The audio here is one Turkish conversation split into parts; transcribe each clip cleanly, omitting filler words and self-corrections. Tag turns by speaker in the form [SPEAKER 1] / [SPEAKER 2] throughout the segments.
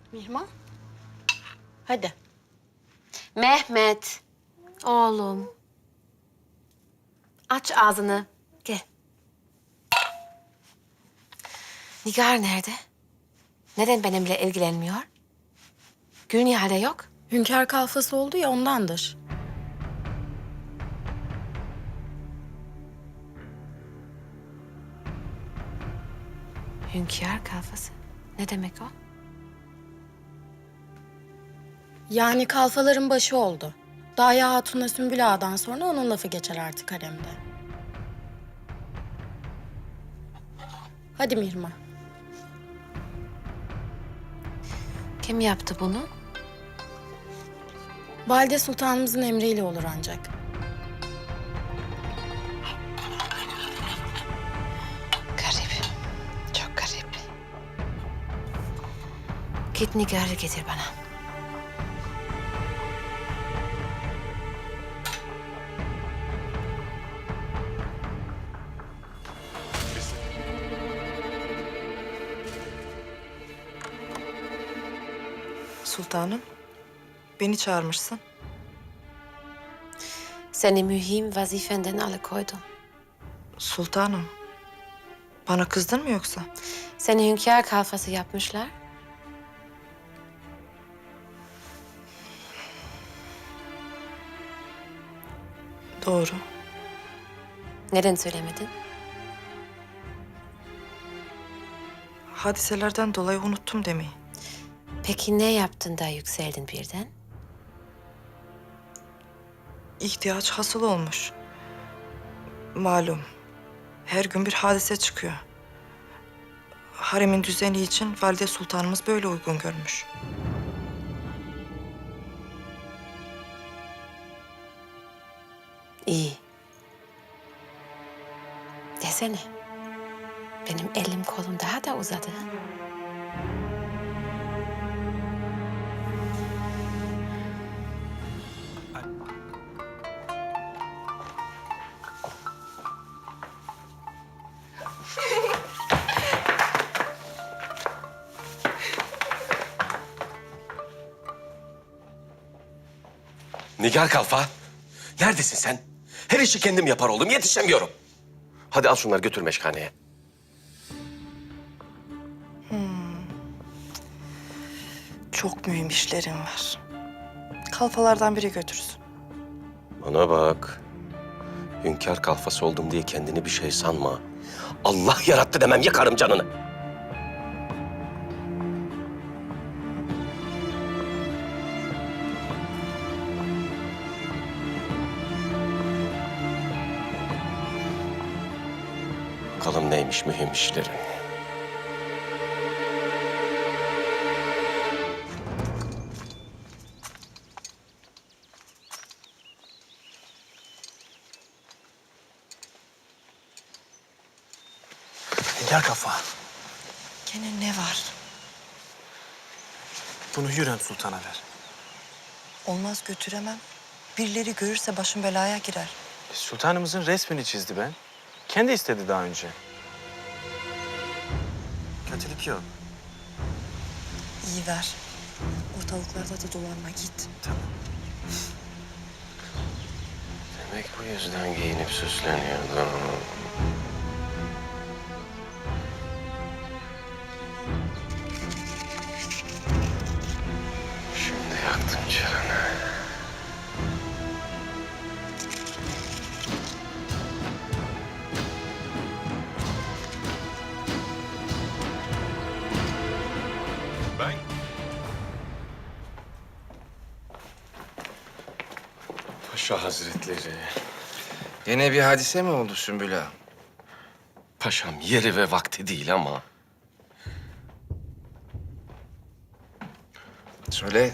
[SPEAKER 1] Mihman. Hadi.
[SPEAKER 2] Mehmet, oğlum. Aç ağzını, gel. Nigar nerede? Neden benimle ilgilenmiyor? Gülnihal'de yok.
[SPEAKER 1] Hünkâr kalfası oldu ya ondandır.
[SPEAKER 2] Hünkâr kalfası. Ne demek o?
[SPEAKER 1] Yani kalfaların başı oldu. Daya Hatun'la Sümbül Ağa'dan sonra onun lafı geçer artık haremde. Hadi Mihrimah.
[SPEAKER 2] Kim yaptı bunu?
[SPEAKER 1] Valide Sultanımızın emriyle olur ancak.
[SPEAKER 2] Garip. Çok garip. Git Nigar'ı getir bana.
[SPEAKER 3] Sultanım, beni çağırmışsın.
[SPEAKER 2] Seni mühim vazifenden alıkoydum.
[SPEAKER 3] Sultanım, bana kızdın mı yoksa?
[SPEAKER 2] Seni hünkâr kalfası yapmışlar.
[SPEAKER 3] Doğru.
[SPEAKER 2] Neden söylemedin?
[SPEAKER 3] Hadiselerden dolayı unuttum demeyi.
[SPEAKER 2] Peki ne yaptın da yükseldin birden?
[SPEAKER 3] İhtiyaç hasıl olmuş. Malum, her gün bir hadise çıkıyor. Haremin düzeni için Valide Sultanımız böyle uygun görmüş.
[SPEAKER 2] İyi. Desene. Benim elim kolum daha da uzadı.
[SPEAKER 4] Nigar Kalfa, neredesin sen? Her işi kendim yapar oldum, yetişemiyorum. Hadi al şunları götür meşkaneye.
[SPEAKER 3] Çok mühim işlerim var. Kalfalardan biri götürsün.
[SPEAKER 4] Bana bak. Hünkâr kalfası oldum diye kendini bir şey sanma. Allah yarattı demem, yakarım canını. Bakalım neymiş mühim işlerin.
[SPEAKER 5] Nigar Kalfa,
[SPEAKER 3] Gene ne var?
[SPEAKER 5] bunu Hürrem Sultan'a ver.
[SPEAKER 3] Olmaz, götüremem. Birileri görürse başım belaya girer.
[SPEAKER 5] Sultanımızın resmini çizdi ben. Kendi istedi daha önce. Kötülük yok.
[SPEAKER 3] İyi ver. Ortalıklarda da dolanma, git.
[SPEAKER 5] Tamam.
[SPEAKER 4] Demek bu yüzden giyinip süsleniyordum. Şimdi yaktım canını. Ben... Paşa Hazretleri.
[SPEAKER 6] Yine bir hadise mi oldu Sümbül Ağa?
[SPEAKER 4] Paşam yeri ve vakti değil ama...
[SPEAKER 6] Söyle.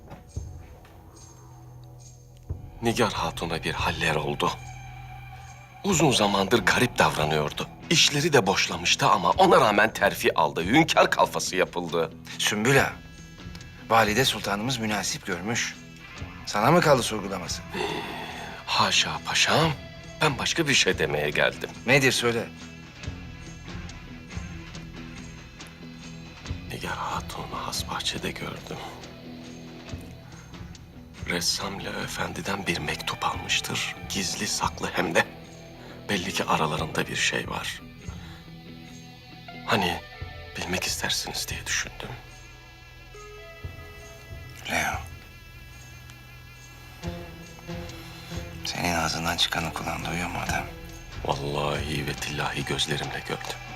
[SPEAKER 4] Nigar Hatun'a bir haller oldu. Uzun zamandır garip davranıyordu. İşleri de boşlamıştı ama ona rağmen terfi aldı. Hünkâr kalfası yapıldı.
[SPEAKER 6] Sümbül Ağa, Valide Sultanımız münasip görmüş. Sana mı kaldı sorgulaması?
[SPEAKER 4] Haşa paşam. Ben başka bir şey demeye geldim.
[SPEAKER 6] Nedir söyle.
[SPEAKER 4] Nigar Hatun has bahçede gördüm. Ressam Leo Efendi'den bir mektup almıştır. Gizli saklı hem de. Belli ki aralarında bir şey var. Hani bilmek istersiniz diye düşündüm.
[SPEAKER 6] Leo. Senin ağzından çıkanı kulağın duyuyor mu adam?
[SPEAKER 4] Vallahi ve tillahi gözlerimle gördüm.